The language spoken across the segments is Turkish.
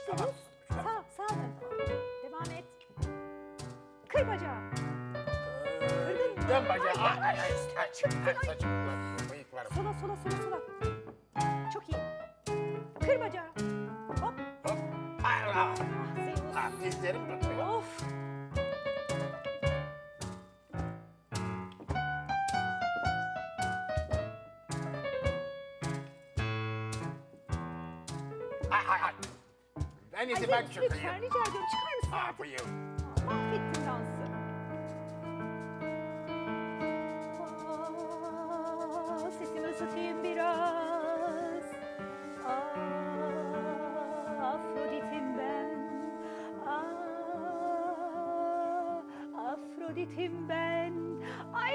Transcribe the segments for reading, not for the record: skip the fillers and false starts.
Zeus. Sağ dön. Devam et. Kır bacağı. Kırdın mı? Dön bacağı. Çıktın. Bıyıklarım. Sola. Çok iyi. Kır bacağı. Hop. Hop. Allah. Zeus. Dizlerim tutuyor. Of. Ay. En iyisi ben Zeus, çıkayım. lütfen rica ediyorum çıkar mısın Ne artık? yapayım? Mahvettin dansı. Sesimi ısıtayım biraz. Afrodit'im ben. Afrodit'im ben. Ay!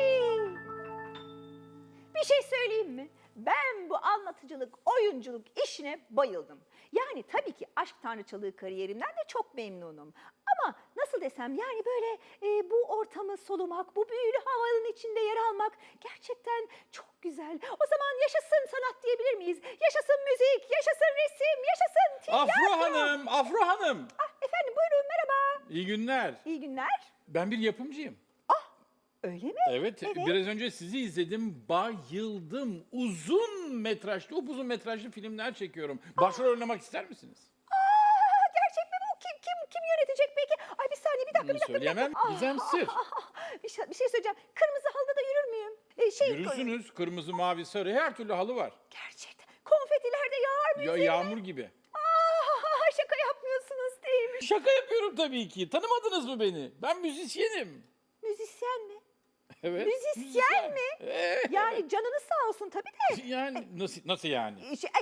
Bir şey söyleyeyim mi? Ben bu anlatıcılık, oyunculuk işine bayıldım. Yani tabii ki aşk tanrıçalığı kariyerimden de çok memnunum. Ama nasıl desem yani böyle bu ortamı solumak, bu büyülü havanın içinde yer almak gerçekten çok güzel. O zaman yaşasın sanat diyebilir miyiz? Yaşasın müzik, yaşasın resim, yaşasın tiyatro. Afro Hanım. Efendim buyurun merhaba. İyi günler. İyi günler. Ben bir yapımcıyım. Öyle mi? Evet, biraz önce sizi izledim, bayıldım. Uzun metrajlı, upuzun metrajlı filmler çekiyorum. Başrol oynamak ister misiniz? Gerçek mi bu? Kim yönetecek peki? Ay bir saniye bir dakika. Söyleyemem, gizem sır. Bir şey söyleyeceğim. Kırmızı halıda da yürür müyüm? Yürürsünüz, kırmızı, mavi, sarı, her türlü halı var. Gerçekten. Konfetiler de yağar mı Ya, üzerine? yağmur gibi. Şaka yapmıyorsunuz değil mi? Şaka yapıyorum tabii ki. Tanımadınız mı beni? Ben müzisyenim. Müzisyen mi? Evet. Müzisyen mi? Evet. Yani canınız sağ olsun tabii de. Yani nasıl yani?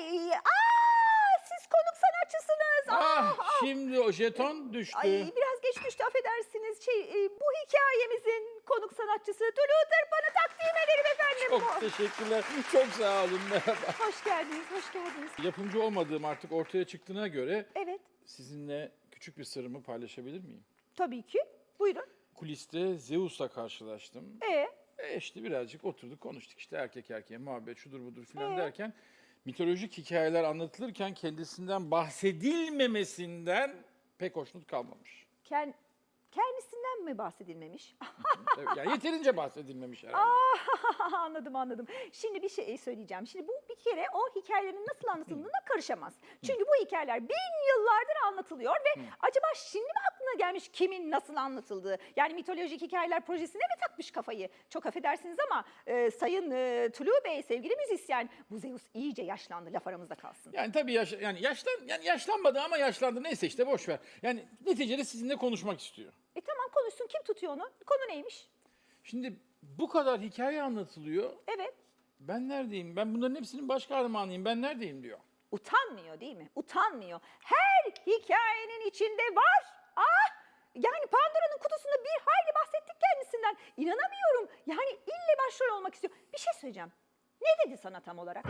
Siz konuk sanatçısınız. Şimdi o jeton düştü. Biraz geç düştü affedersiniz. Bu hikayemizin konuk sanatçısı Tulu Tırpan'ı takdim ederim efendim. Çok teşekkürler. Çok sağ olun. Merhaba. Hoş geldiniz. Yapımcı olmadığım artık ortaya çıktığına göre Evet, sizinle küçük bir sırrımı paylaşabilir miyim? tabii ki. Buyurun. Kuliste Zeus'la karşılaştım. İşte birazcık oturduk konuştuk işte erkek erkeğe muhabbet şudur budur filan derken mitolojik hikayeler anlatılırken kendisinden bahsedilmemesinden pek hoşnut kalmamış. Kendisinden mi bahsedilmemiş? Evet, yani yeterince bahsedilmemiş herhalde. Anladım. Şimdi bir şey söyleyeceğim. Şimdi bu bir kere o hikayelerin nasıl anlatıldığına karışamaz. Çünkü bu hikayeler 1000 yıllardır anlatılıyor ve acaba şimdi mi aklına gelmiş kimin nasıl anlatıldığı? Yani mitolojik hikayeler projesine mi takmış kafayı? Çok affedersiniz ama Sayın Tulu Bey, sevgili müzisyen, bu Zeus iyice yaşlandı, laf aramızda kalsın. Yani tabii yaşlanmadı ama yaşlandı neyse işte boş ver. Yani neticede sizinle konuşmak istiyor. Tamam konuşsun, kim tutuyor onu? Konu neymiş? Şimdi bu kadar hikaye anlatılıyor. Evet. Ben neredeyim? Ben bunların hepsinin baş kahramanıyım. Ben neredeyim diyor. Utanmıyor değil mi? Utanmıyor. Her hikayenin içinde var. Yani Pandora'nın kutusunda bir hayli bahsettik kendisinden. İnanamıyorum. Yani ille başrol olmak istiyor. Bir şey söyleyeceğim. Ne dedi sana tam olarak?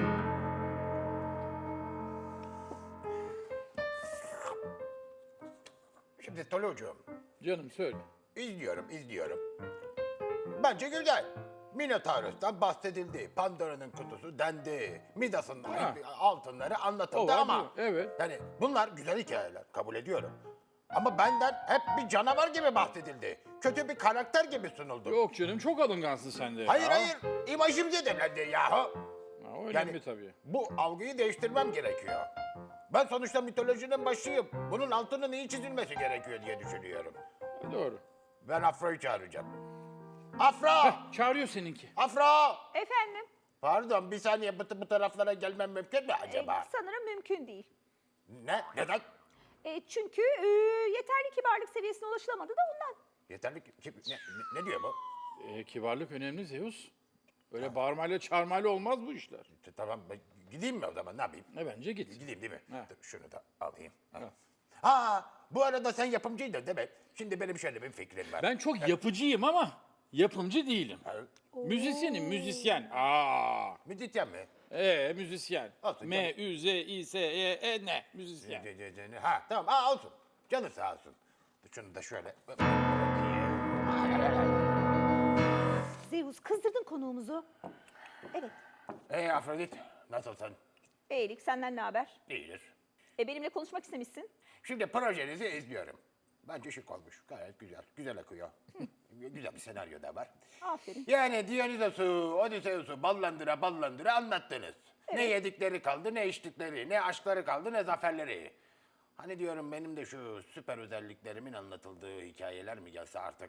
Şimdi Tolucuğum, Canım söyle. izliyorum. Bence güzel. Minotaurus'tan bahsedildi. Pandora'nın kutusu dendi. Midas'ın altınları anlatıldı O var, ama... bu, evet. Yani bunlar güzel hikayeler, kabul ediyorum. Ama benden hep bir canavar gibi bahsedildi. Kötü bir karakter gibi sunuldu. Yok canım çok alıngansın sen de. Hayır, imajım zedelendi yahu. Ha, o önemli tabii. Bu algıyı değiştirmem gerekiyor. Ben sonuçta mitolojinin başıyım. Bunun altının iyi çizilmesi gerekiyor diye düşünüyorum. Doğru. Ben Afro'yu çağıracağım. Afro! Çağırıyor seninki. Afro! Efendim? Pardon, bir saniye bu taraflara gelmem mümkün mü acaba? Sanırım mümkün değil. Ne? Neden? Çünkü yeterli kibarlık seviyesine ulaşılamadı da ondan. Yeterli ne diyor bu? Kibarlık önemli Zeus. Öyle bağırmayla çağırmayla olmaz bu işler. Tamam, ben gideyim mi o zaman, ne yapayım? Bence git. Gideyim değil mi? Ha. Dur, şunu da alayım. Ha, bu arada sen yapımcıydın değil mi? Şimdi benim şöyle bir fikrim var. Ben çok yapıcıyım ama yapımcı değilim. Müzisyenim, müzisyen. Müzisyen mi? Müzisyen. Olsun, M-Ü-Z-İ-S-Y-E-N. Müzisyen. Ha, tamam, olsun. Canı sağ olsun. Şunu da şöyle... Zeus kızdırdın konuğumuzu. Evet. Afrodit, nasılsın? Beylik senden ne haber? İyidir. Benimle konuşmak istemişsin. Şimdi projenizi izliyorum. Bence şık olmuş. Gayet güzel. Güzel akıyor. Güzel bir senaryo da var. Aferin. Yani Dionysos'u, Odysseus'u ballandıra ballandıra anlattınız. Ne yedikleri kaldı, ne içtikleri, ne aşkları kaldı, ne zaferleri. Hani diyorum benim de şu süper özelliklerimin anlatıldığı hikayeler mi gelse artık?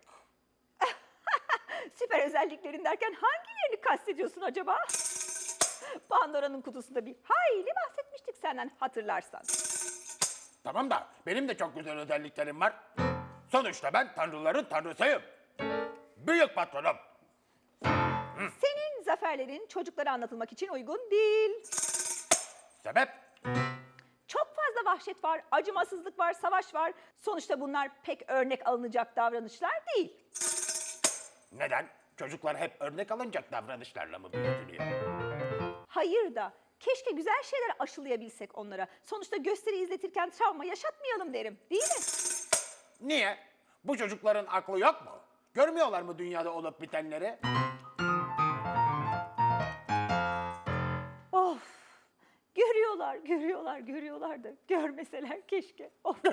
Süper özelliklerin derken hangilerini kastediyorsun acaba? Pandora'nın kutusunda bir hayli bahsetmiştik senden hatırlarsan. Tamam da benim de çok güzel özelliklerim var. Sonuçta ben tanrıların tanrısıyım. Büyük patronum. Senin zaferlerin çocuklara anlatılmak için uygun değil. Sebep? Çok fazla vahşet var, acımasızlık var, savaş var. Sonuçta bunlar pek örnek alınacak davranışlar değil. Neden? Çocuklar hep örnek alınacak davranışlarla mı büyütülüyor? Hayır da keşke güzel şeyler aşılayabilsek onlara. Sonuçta gösteri izletirken travma yaşatmayalım derim, değil mi? Niye? Bu çocukların aklı yok mu? Görmüyorlar mı dünyada olup bitenleri? Of! Görüyorlar da görmeseler keşke. Of!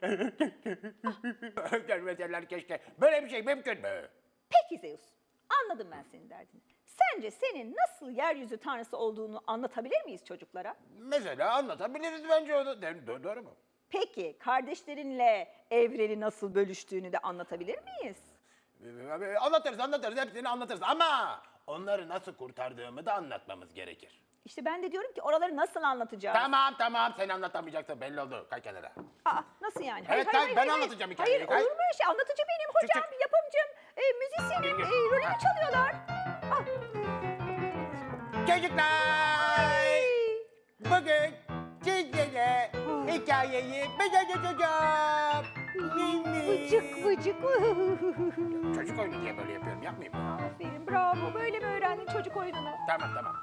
Görmeseler keşke. Böyle bir şey mümkün mü? Peki Zeus, anladım ben senin derdini. Sence senin nasıl yeryüzü tanrısı olduğunu anlatabilir miyiz çocuklara? Mesela anlatabiliriz bence onu. Doğru mu? Peki kardeşlerinle evreni nasıl bölüştüğünü de anlatabilir miyiz? Anlatırız hepsini anlatırız ama onları nasıl kurtardığımı da anlatmamız gerekir. İşte ben de diyorum ki oraları nasıl anlatacağız? Tamam sen anlatamayacaksın belli oldu. Kay kenara. Aa, nasıl yani? Evet, ben anlatacağım hikayeyi. Hayır, Hayır. olur mu öyle şey? Anlatıcı benim, hocam, çık. yapımcım, müzisyenim, Gel. rolümü çalıyorlar. Ah, Çocuklar! Bugün sizlere hikayeyi ben anlatacağım. vıcık vıcık. Çocuk oyunu diye böyle yapıyorum yapmayayım mı? Aferin, bravo. Böyle mi öğrendin çocuk oyununu? Tamam.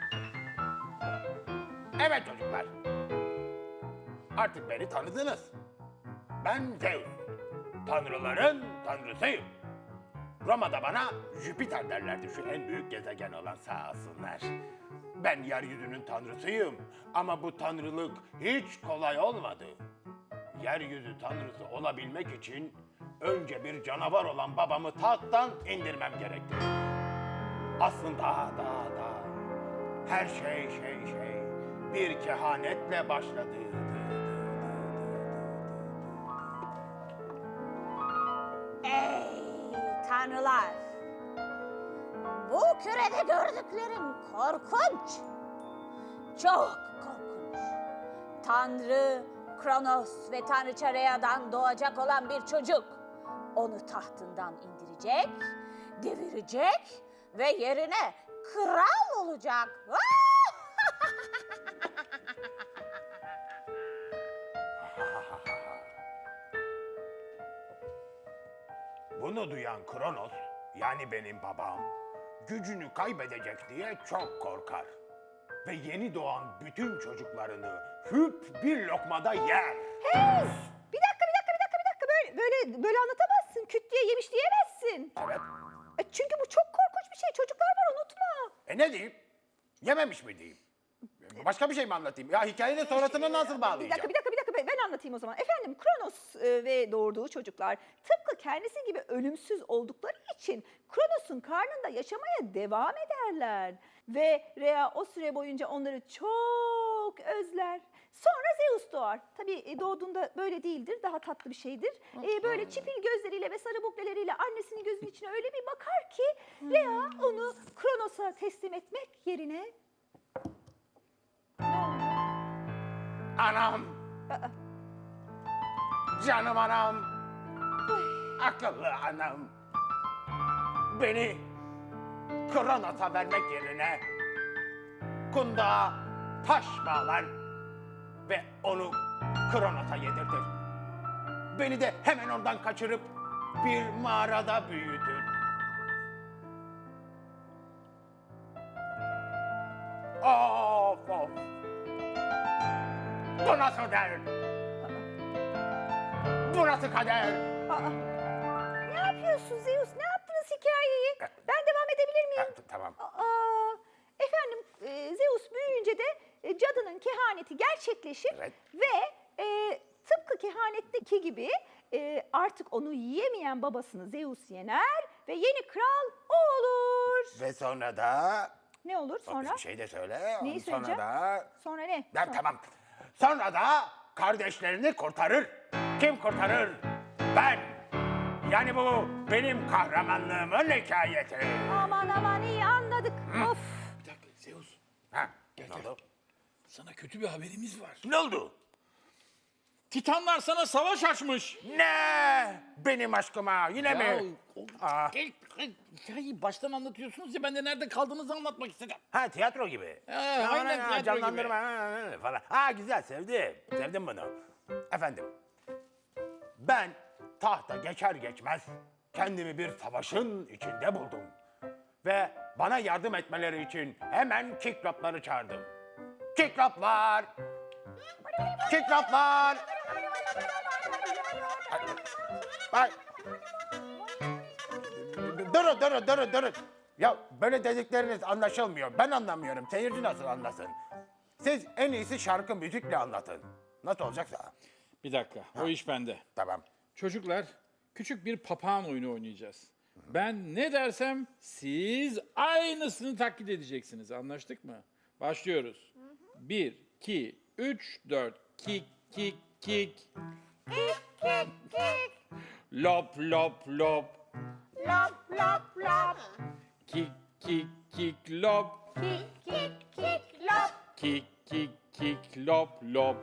Evet çocuklar. Artık beni tanıdınız. Ben Zeus. Tanrıların tanrısıyım. Roma'da bana Jüpiter derlerdi, şu en büyük gezegen olan, sağ olsunlar. Ben yeryüzünün tanrısıyım ama bu tanrılık hiç kolay olmadı. Yeryüzü tanrısı olabilmek için önce bir canavar olan babamı tahttan indirmem gerekti. Aslında da her şey bir kehanetle başladı. Ey tanrılar! Bu kürede gördüklerim korkunç. Çok korkunç. Tanrı Kronos ve Tanrıça Rhea'dan doğacak olan bir çocuk. Onu tahtından indirecek, devirecek ve yerine kral olacak. Bunu duyan Kronos, yani benim babam, gücünü kaybedecek diye çok korkar. Ve yeni doğan bütün çocuklarını hüp bir lokmada yer. Hey! Bir dakika. Böyle anlatamazsın. Küt diye yemiş diyemezsin. Evet. Çünkü bu çok korkunç bir şey. Çocuklar var, unutma. Ne diyeyim? Yememiş mi diyeyim? Başka bir şey mi anlatayım? Ya hikayenin sonrasını nasıl bağlayacağım? Bir dakika. Ben anlatayım o zaman. Efendim, Kronos ve doğurduğu çocuklar tıpkı kendisi gibi ölümsüz oldukları için Kronos'un karnında yaşamaya devam ederler. Ve Rhea o süre boyunca onları çok özler. Sonra Zeus doğar. Tabii doğduğunda böyle değildir, daha tatlı bir şeydir. Böyle çipil gözleriyle ve sarı bukleleriyle annesinin gözünün içine öyle bir bakar ki Rhea onu Kronos'a teslim etmek yerine... Anam! Canım anam! Akıllı anam! Beni Kronos'a vermek yerine kundağa taş bağlar ve onu Kronos'a yedirtir. Beni de hemen oradan kaçırıp bir mağarada büyütür. Of! Bu nasıl der? Bu nasıl kader? Ne yapıyorsun Zeus? Ne yaptınız hikayeyi? Ben devam edebilir miyim? Tamam. Efendim, Zeus büyüyünce de cadının kehaneti gerçekleşir Evet. ve tıpkı tıpkı kehanetteki gibi artık onu yiyemeyen babasını Zeus yener ve yeni kral o olur. Ve sonra da... Ne olur sonra? Bir şey de söyle. Neyi Sonra söyleyeceğim? da... Sonra ne? Ben tamam. Sonra da kardeşlerini kurtarır. Kim kurtarır? Ben. Yani bu benim kahramanlığımın hikayeti. Aman aman iyi anladık. Of. Bir dakika Zeus. Ha, Gel, ne gel. oldu? Sana kötü bir haberimiz var. Ne oldu? Titanlar sana savaş açmış. Ne? Benim aşkıma yine mi? Aa. Hikayeyi baştan anlatıyorsunuz ya ben de nerede kaldığınızı anlatmak istedim. Ha tiyatro gibi. Aynen Ha, tiyatro canlandırma falan. Ha güzel sevdim. Sevdim bunu. Efendim. Ben tahta geçer geçmez kendimi bir savaşın içinde buldum. Ve bana yardım etmeleri için hemen Kiklopları çağırdım. Kikloplar! Kikloplar! Ay. Durun. Ya böyle dedikleriniz anlaşılmıyor. Ben anlamıyorum. Seyirci nasıl anlasın? Siz en iyisi şarkı müzikle anlatın. Nasıl olacaksa. Bir dakika o iş bende. Tamam. Çocuklar küçük bir papağan oyunu oynayacağız. Ben ne dersem siz aynısını taklit edeceksiniz. Anlaştık mı? Başlıyoruz. 1, 2, 3, 4. Kik, kik, kik. Kik kik kik. Lop, lop, lop. Lop lop lop. Kik, kik, kik, lop. Kik kik kik lop. Kik, kik, kik, lop, lop.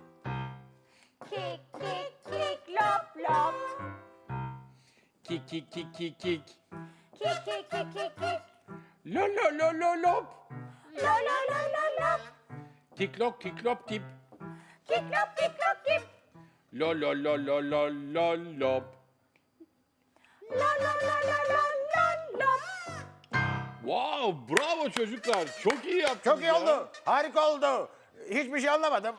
Kik kik kik lop lop. Kik, kik, kik, kik, kik. Kik kik kik kik kik. Lo, lo, lo, lo, lop. Lo lo lo lo lop. Kik, lop, kik, lop, kip. Kik lop kik lop kip. Lo, lo, lo, lo, lo, lo, lop. Lo lo lo lo lo lo lop. Wow, bravo çocuklar. Çok iyi yaptınız Çok iyi ya. oldu. Harika oldu. Hiçbir şey anlamadım.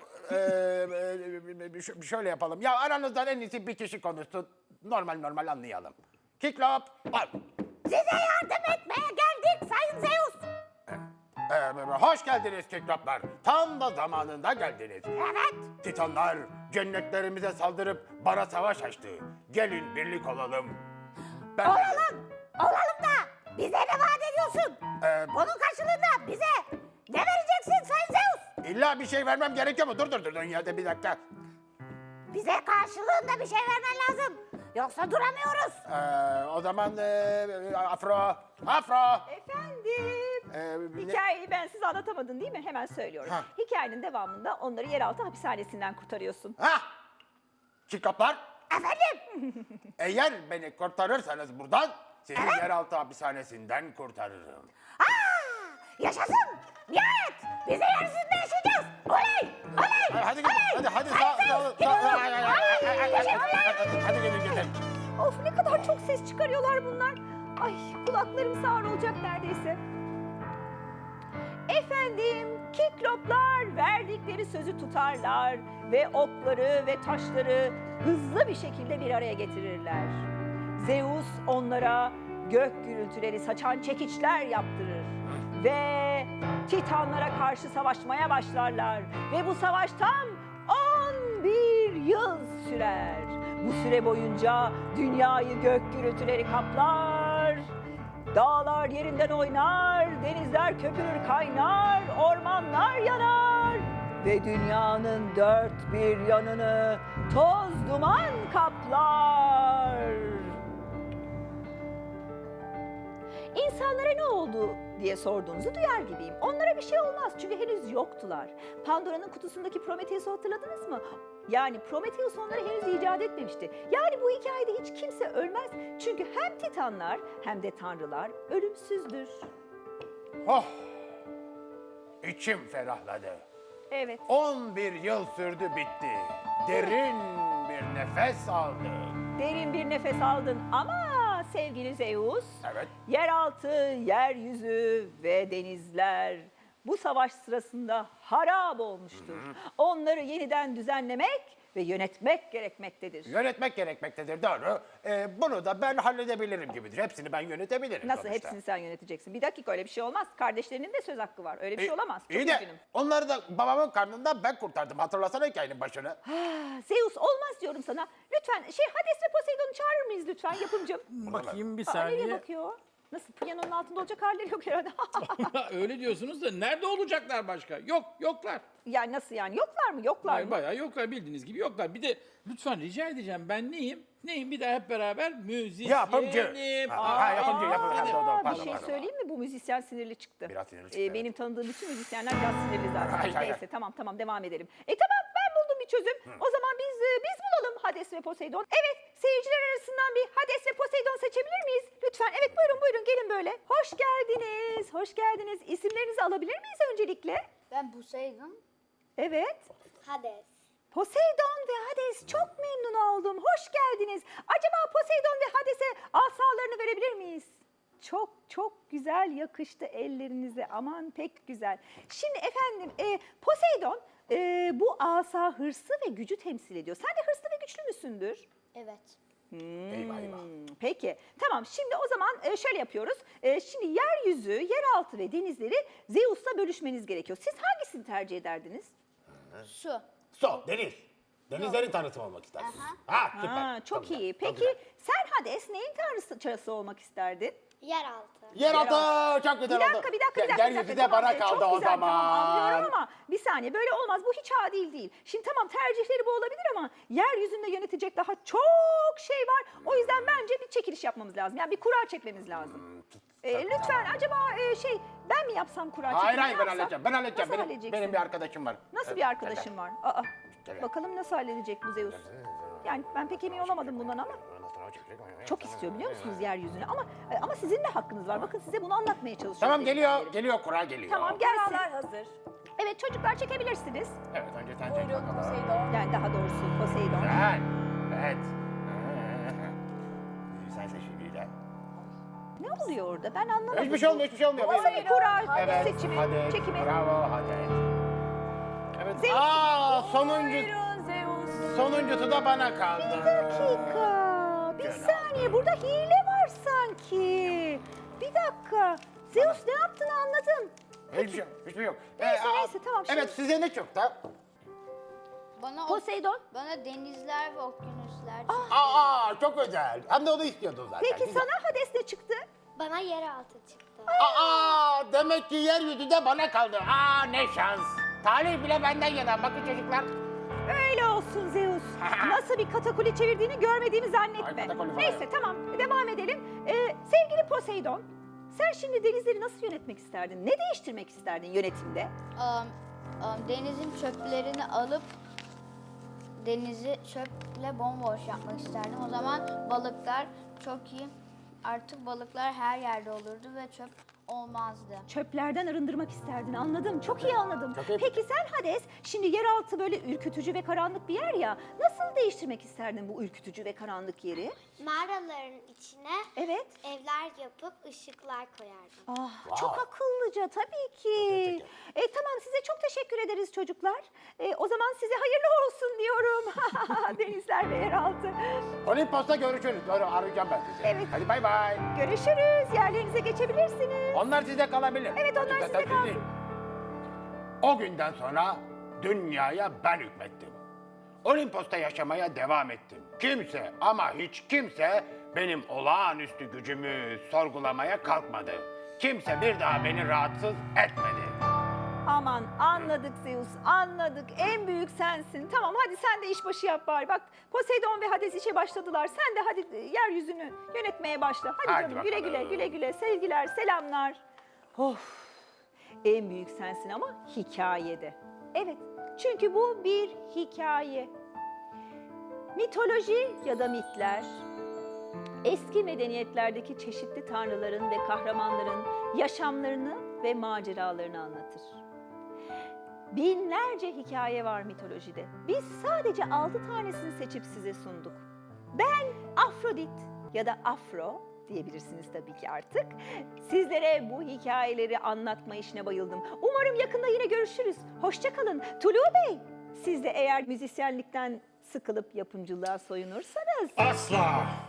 Şöyle yapalım. Ya aranızdan en iyisi bir kişi konuşsun. Normal anlayalım. Kiklop. Al. Size yardım etmeye geldik Sayın Zeus. Hoş geldiniz Kikloplar. Tam da zamanında geldiniz. Evet. Titanlar cennetlerimize saldırıp bana savaş açtı. Gelin birlik olalım. Ben Olalım. Olalım da bize ne vaat ediyorsun? Bunun karşılığında bize ne vereceksin Sayın Zeus? İlla bir şey vermem gerekiyor mu? Dur yerde bir dakika. Bize karşılığında bir şey vermen lazım. Yoksa duramıyoruz. O zaman Afro. Efendim. Hikayeyi ben size anlatamadım değil mi? Hemen söylüyorum. Ha. Hikayenin devamında onları yeraltı hapishanesinden kurtarıyorsun. Ha! Kikloplar. Efendim? Eğer beni kurtarırsanız buradan sizi yeraltı hapishanesinden kurtarırım. Yaşasın. Nihayet biz de yeryüzünde yaşayacağız. Oley! Oley! Hadi gidin. Hadi Hadi gidin. Of ne kadar çok ses çıkarıyorlar bunlar. Ay kulaklarım sağır olacak neredeyse. Efendim Kikloplar verdikleri sözü tutarlar ve okları ve taşları hızlı bir şekilde bir araya getirirler. Zeus onlara gök gürültüleri saçan çekiçler yaptırır ve Titanlara karşı savaşmaya başlarlar ve bu savaş tam 11 yıl sürer. Bu süre boyunca dünyayı gök gürültüleri kaplar. Dağlar yerinden oynar, denizler köpürür kaynar, ormanlar yanar ve dünyanın dört bir yanını toz duman kaplar. İnsanlara ne oldu diye sorduğunuzu duyar gibiyim. Onlara bir şey olmaz çünkü henüz yoktular. Pandora'nın kutusundaki Prometheus'u hatırladınız mı? Yani Prometheus onları henüz icat etmemişti. Yani bu hikayede hiç kimse ölmez. Çünkü hem Titanlar hem de Tanrılar ölümsüzdür. Oh! İçim ferahladı. Evet. 11 yıl sürdü bitti. Derin bir nefes aldım. Derin bir nefes aldın ama sevgili Zeus, Evet. yeraltı, yeryüzü ve denizler bu savaş sırasında harap olmuştur. Onları yeniden düzenlemek ve yönetmek gerekmektedir. Yönetmek gerekmektedir, doğru. Bunu da ben halledebilirim gibidir. Hepsini ben yönetebilirim Nasıl sonuçta. hepsini sen yöneteceksin? Bir dakika, öyle bir şey olmaz. Kardeşlerinin de söz hakkı var. Öyle bir şey olamaz. Çok İyi de üzgünüm. onları da babamın karnından ben kurtardım. Hatırlasana hikayenin başını. Zeus olmaz diyorum sana. Lütfen Hades ve Poseidon'u çağırır mıyız lütfen yapımcım? Bakayım bir Aa, nereye saniye. bakıyor? Nasıl, piyanonun altında olacak halleri yok herhalde. Öyle diyorsunuz da nerede olacaklar başka? Yoklar. Yani nasıl yani? Yoklar mı? Yoklar Hayır, mı? bayağı yoklar, bildiğiniz gibi yoklar. Bir de lütfen rica edeceğim, ben neyim? Neyim, bir daha hep beraber müzisyenim. Yapımcı. Yapımcı. Bir Pardon, şey pardon. söyleyeyim mi? Bu müzisyen sinirli çıktı. Biraz sinirli çıktı, evet. Benim tanıdığım bütün müzisyenler biraz sinirli zaten. Hayır, hayır. Neyse tamam devam edelim. Tamam, ben buldum bir çözüm. O zaman biz bulalım Hades ve Poseidon. Evet, seyirciler arasından bir Hades ve Poseidon seçebilir miyiz? Lütfen, evet, buyurun gelin böyle. Hoş geldiniz, hoş geldiniz. İsimlerinizi alabilir miyiz öncelikle? Ben Poseidon, Evet. Hades. Poseidon ve Hades, çok memnun oldum. Hoş geldiniz. Acaba Poseidon ve Hades'e asalarını verebilir miyiz? Çok güzel yakıştı ellerinize. Aman pek güzel. Şimdi efendim Poseidon bu asa hırsı ve gücü temsil ediyor. Sen de hırslı ve güçlü müsündür? Evet. Eyvah. Peki. Tamam, şimdi o zaman şöyle yapıyoruz. Şimdi yeryüzü, yeraltı ve denizleri Zeus'la bölüşmeniz gerekiyor. Siz hangisini tercih ederdiniz? Su. Su, deniz. Denizlerin tanrısı olmak istersin. Ha, süper. Ha, çok güzel, iyi. çok Peki güzel. sen Hades neyin tanrıçası olmak isterdin? Yeraltı. Yeraltı çok güzel oldu. Bir dakika. Yeryüzü de bana kaldı Çok o güzel, zaman. Tamam, anlıyorum ama bir saniye, böyle olmaz. Bu hiç adil değil. Şimdi tamam, tercihleri bu olabilir ama yeryüzünde yönetecek daha çok şey var. O yüzden bence bir çekiliş yapmamız lazım. Yani bir kura çekmemiz lazım. Lütfen acaba ben mi yapsam kura çekimi? Hayır, ne ben yapsam? halledeceğim. Ben halledeceğim. Nasıl Benim halledeceksin? bir arkadaşım var. Nasıl Evet, bir arkadaşın var? Aa, Gel. bakalım nasıl halledecek bu Zeus? Yani ben pek emin olamadım bundan ama çok istiyor biliyor musunuz yeryüzünü? Ama sizin de hakkınız var. Bakın, size bunu anlatmaya çalışıyorum. Tamam, geliyor. deminden beri. Geliyor, kura geliyor. Tamam, gelsin. Kuralar hazır. Evet çocuklar, çekebilirsiniz. Evet, önce sen çek Buyurun bakalım. Poseidon. Yani daha doğrusu Poseidon. Güzel. Evet. Sen seç biriyle. Ne oluyor orada? Ben anlamadım. Hiçbir şey olmuyor, hiçbir şey olmuyor. Nasıl bir kura Evet, seçimi, hadi. çekimi? Bravo, hadi. Evet. Zeus. Buyurun Zeus. Sonuncusu da bana kaldı. Bir dakika. Bir Gel saniye. Burada hile var sanki. Bir dakika. Zeus ne yaptığını anladım. Hiçbir şey yok. Neyse, tamam, şimdi- Evet, size ne çıktı? Poseidon. Bana denizler ve okyanuslar. Çok güzel. Hem de onu istiyordun zaten. Peki Güzel. sana Hades ne çıktı? Bana yeraltı çıktı. Demek ki yeryüzü de bana kaldı. Ne şans. Talih bile benden yana. Bakın çocuklar. Öyle olsun Zeus. Nasıl bir katakuli çevirdiğini görmediğimi Ay, zannetme. katakuli falan. Neyse tamam, devam edelim. Sevgili Poseidon, sen şimdi denizleri nasıl yönetmek isterdin? Ne değiştirmek isterdin yönetimde? Denizin çöplerini alıp denizi çöple bomboş yapmak isterdim. O zaman balıklar çok iyi. Artık balıklar her yerde olurdu ve çöp olmazdı. Çöplerden arındırmak isterdin, anladım. Çok iyi anladım. Çok iyi. Peki sen Hades, şimdi yeraltı böyle ürkütücü ve karanlık bir yer ya. Nasıl değiştirmek isterdin bu ürkütücü ve karanlık yeri? Mağaraların içine Evet. evler yapıp ışıklar koyardım. Çok akıllıca tabii ki. Tamam, size çok teşekkür ederiz çocuklar. O zaman size hayırlı olsun diyorum. Denizler ve yeraltı. Olimpos'ta görüşürüz. Doğru, arayacağım ben sizi. Evet. Hadi bay bay. Görüşürüz. Yerlerinize geçebilirsiniz. Onlar size kalabilir. Evet, onlar Zaten size kalsın. sizin. O günden sonra dünyaya ben hükmettim. Olimpos'ta yaşamaya devam ettim. Kimse ama hiç kimse benim olağanüstü gücümü sorgulamaya kalkmadı. Kimse bir daha beni rahatsız etmedi. Aman anladık Zeus, anladık. En büyük sensin. Tamam, hadi sen de işbaşı yap bari. Bak, Poseidon ve Hades işe başladılar. Sen de hadi yeryüzünü yönetmeye başla. Hadi, Hadi canım, güle güle, bakalım. güle güle. Sevgiler, selamlar. Of, en büyük sensin ama hikayede. Evet, çünkü bu bir hikaye. Mitoloji ya da mitler, eski medeniyetlerdeki çeşitli tanrıların ve kahramanların yaşamlarını ve maceralarını anlatır. Binlerce hikaye var mitolojide. Biz sadece 6 tanesini seçip size sunduk. Ben Afrodit ya da Afro diyebilirsiniz tabii ki artık. Sizlere bu hikayeleri anlatma işine bayıldım. Umarım yakında yine görüşürüz. Hoşça kalın. Tulu Bey, Siz de eğer müzisyenlikten sıkılıp yapımcılığa soyunursanız Asla.